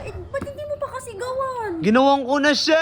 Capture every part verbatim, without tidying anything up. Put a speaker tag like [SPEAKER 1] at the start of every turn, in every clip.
[SPEAKER 1] eh, ba't hindi mo pa kasi gawan?
[SPEAKER 2] Ginawang ko na siya!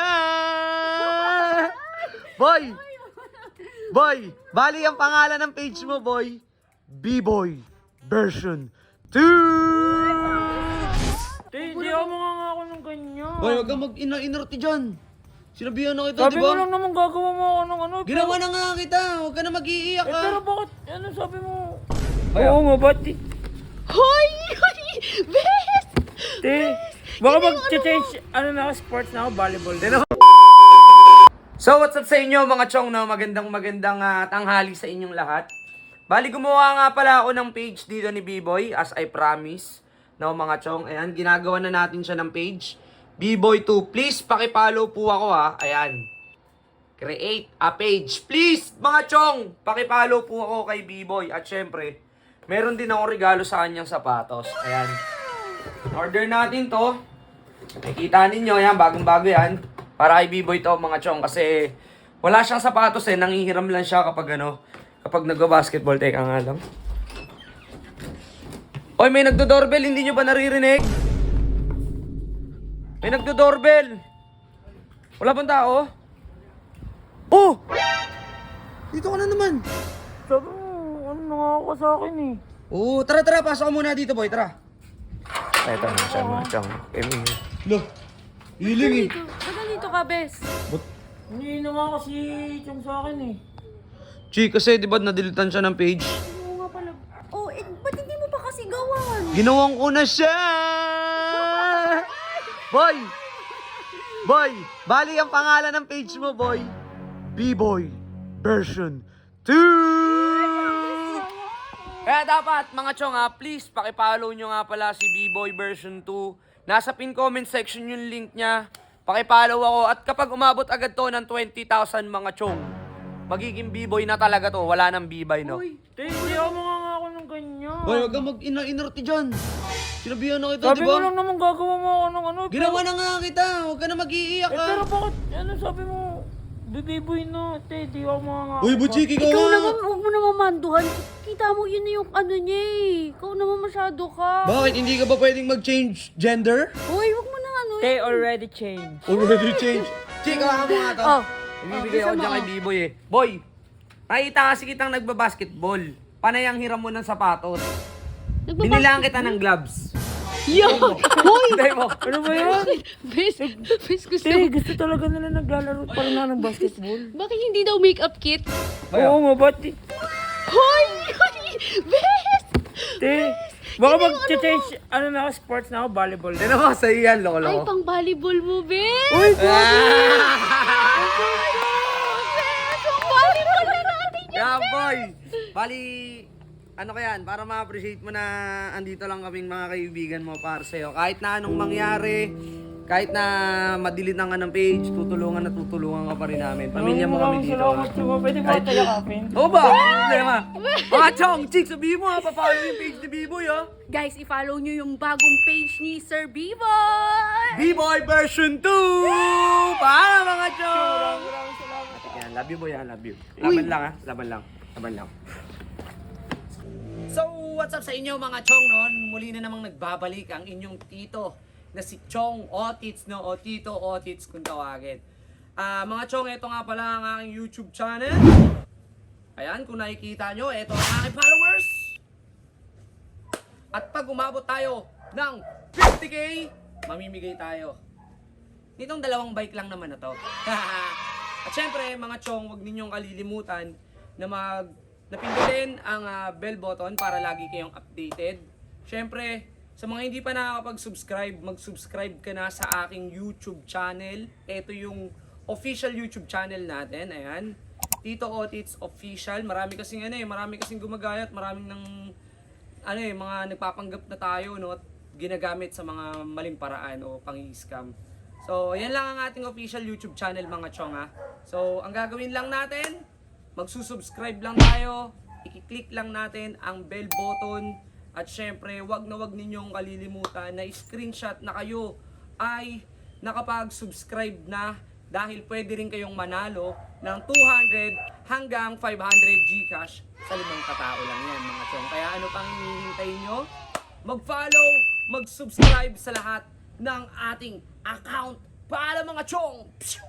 [SPEAKER 2] Boy! Boy! Bali ang pangalan ng page mo, boy. B-Boy version two!
[SPEAKER 3] Hindi ako mga ako ng ganyan.
[SPEAKER 2] Boy, wag kang mag-ina-inorti dyan. Sinabihan na kita,
[SPEAKER 3] Sabi
[SPEAKER 2] di
[SPEAKER 3] mo
[SPEAKER 2] ba?
[SPEAKER 3] lang naman gagawa mo ako ng ano.
[SPEAKER 2] Ginawa na nga kita. Huwag ka na mag-iiyak,
[SPEAKER 3] Eh,
[SPEAKER 2] ha?
[SPEAKER 3] pero bakit, ano sabi mo?
[SPEAKER 2] Ay,
[SPEAKER 3] Oo nga, ba't? di-
[SPEAKER 1] Hoy! Hoy! Bes!
[SPEAKER 3] Te, baka mag-change, ano na ako, sports na ako, volleyball.
[SPEAKER 2] So, what's up sa inyo mga chong, no? Magandang magandang ah, tanghali sa inyong lahat. Bali, gumawa nga pala ako ng page dito ni B-Boy, as I promise. No, mga chong, ayan, ginagawa na natin siya ng page. B-Boy two, please pakipollow po ako, ha. Ayan. Create a page. Please, mga chong, pakipollow po ako kay B-Boy. At syempre, meron din ako regalo sa kanyang sapatos. Ayan. Order natin to. Nakikita ninyo, yan, bagong-bago yan. Para kay B-Boy to, mga chong. Kasi wala siyang sapatos eh. Nangihiram lang siya kapag ano, kapag nagba-basketball. Teka nga lang. Oy, may nagdo-doorbell. Hindi nyo ba naririnig? May nagdo-doorbell. Wala bang tao? Oh! Dito ka na naman.
[SPEAKER 3] Sabi mo, ano nangako sa akin eh.
[SPEAKER 2] Oo, tara tara. Pasok ka muna dito, boy. Tara. Ay, ito na siya, mga chong. Lo, hiling eh.
[SPEAKER 1] Ba't nandito ka, Bes?
[SPEAKER 3] Hindi na nga kasi yung sa akin eh.
[SPEAKER 2] Chi, kasi di ba nadilitan siya ng page?
[SPEAKER 1] Oo nga pala. Oh, eh, ba't hindi mo pa kasi gawan?
[SPEAKER 2] Ginawang ko na siya! Boy! Boy! Bali ang pangalan ng page mo, boy. B-Boy version two! Kaya dapat, mga chong ha, please, pakipollow nyo nga pala si B-Boy version two. Nasa pin comment section yung link niya. Pakipollow ako. At kapag umabot agad to ng twenty thousand mga chong, magiging B-Boy na talaga to. Wala nang B-Boy, no?
[SPEAKER 1] Uy,
[SPEAKER 3] Te, hindi ako mga ako ng ganyan.
[SPEAKER 2] Boy, wag kang mag-ina-inorti dyan. Sinabihan na kita,
[SPEAKER 3] Sabi
[SPEAKER 2] di
[SPEAKER 3] mo
[SPEAKER 2] ba?
[SPEAKER 3] lang naman gagawa mo ako ng ano.
[SPEAKER 2] Ginawa na nga kita. Huwag ka na mag-iiyak,
[SPEAKER 3] Eh,
[SPEAKER 2] ha?
[SPEAKER 3] pero bakit, ano sabi mo? Bibiboy na, te, di ako mga nga.
[SPEAKER 2] Uy, Butchik, ikaw
[SPEAKER 1] ikaw
[SPEAKER 2] nga.
[SPEAKER 1] naman, huwag mo naman manduhan. Kita mo yun na yung ano niya eh. Ikaw naman masyado ka.
[SPEAKER 2] Bakit? Hindi ka ba pwedeng mag-change gender?
[SPEAKER 1] Hoy, huwag mo na ano eh.
[SPEAKER 3] Te, already changed.
[SPEAKER 2] Already change. Chika, mo nga to.
[SPEAKER 1] Oh.
[SPEAKER 2] Ibibigay
[SPEAKER 1] Oh,
[SPEAKER 2] ako
[SPEAKER 1] gusto
[SPEAKER 2] dyan
[SPEAKER 1] mo,
[SPEAKER 2] kay B-Boy eh. Boy, nakita kasi kitang nagbabasketball. Panay ang hiram mo ng sapatos. Binilang kita ng gloves.
[SPEAKER 1] Yo! Hoy!
[SPEAKER 2] Hindi mo.
[SPEAKER 3] Ano ba yan?
[SPEAKER 1] Bes, Bes, gusto
[SPEAKER 3] Te, gusto talaga nila naglalaro pa rin na ng basketball.
[SPEAKER 1] Bakit hindi daw makeup kit?
[SPEAKER 3] Oo nga, ba't? di-
[SPEAKER 1] Hoy! Hoy! Bes!
[SPEAKER 3] Te, baka mag-change, ano na ako, sports na ako, volleyball.
[SPEAKER 2] Hindi naman sa iyan,
[SPEAKER 1] Ay,
[SPEAKER 2] loko-loko.
[SPEAKER 1] pang volleyball mo, Bes!
[SPEAKER 3] Uy,
[SPEAKER 2] Ah!
[SPEAKER 1] Bes, pang volleyball na natin yun!
[SPEAKER 2] Kaya boy, bali, ano ka yan, para ma-appreciate mo na andito lang kaming mga kaibigan mo para sa'yo. Kahit na anong mangyari, kahit na madilitan ka ng page, tutulungan na tutulungan ka pa rin namin. Pamilya mo kami dito.
[SPEAKER 3] Salamat siya. Pwede ba tayo kapin?
[SPEAKER 2] Oo ba? Problema. Mga chong, chicks, sabihin mo ha, papalo yung page ni B-Boy ha.
[SPEAKER 1] Guys, i-follow nyo yung bagong page ni Sir B-Boy!
[SPEAKER 2] B-Boy version two! Paano mga chong?
[SPEAKER 3] Maraming salamat.
[SPEAKER 2] Yan, love you boy ha, love you. Laban lang ha, laban lang. Laban lang. So, what's up sa inyo mga chong noon? Muli na namang nagbabalik ang inyong tito na si Chong Otits, no? O Tito Otits kung tawagin. Ah, mga chong, ito nga pala ang aking YouTube channel. Ayan, kung nakikita nyo, ito ang aking followers. At pag umabot tayo ng fifty K, mamimigay tayo. Nitong dalawang bike lang naman na to. At syempre, mga chong, huwag ninyong kalilimutan na mag napindutin ang uh, bell button para lagi kayong updated. Syempre, sa mga hindi pa nakakapag-subscribe, mag-subscribe ka na sa aking YouTube channel. Ito yung official YouTube channel natin. Ayan. Tito Otits Official. Marami kasing ano eh, marami kasing gumagayat, maraming ng ano eh, mga nagpapanggap na tayo, no, at ginagamit sa mga maling paraan o pang-scam. So, yan lang ang ating official YouTube channel mga chong ha. So, ang gagawin lang natin, magsusubscribe lang tayo, i-click lang natin ang bell button, at syempre, wag na wag ninyong kalilimutan na screenshot na kayo ay nakapag-subscribe na, dahil pwede rin kayong manalo ng two hundred hanggang five hundred Gcash sa limang katao lang yan mga chong. Kaya ano pang hinihintay nyo? Mag-follow, mag-subscribe sa lahat ng ating account para mga chong. Pshoo!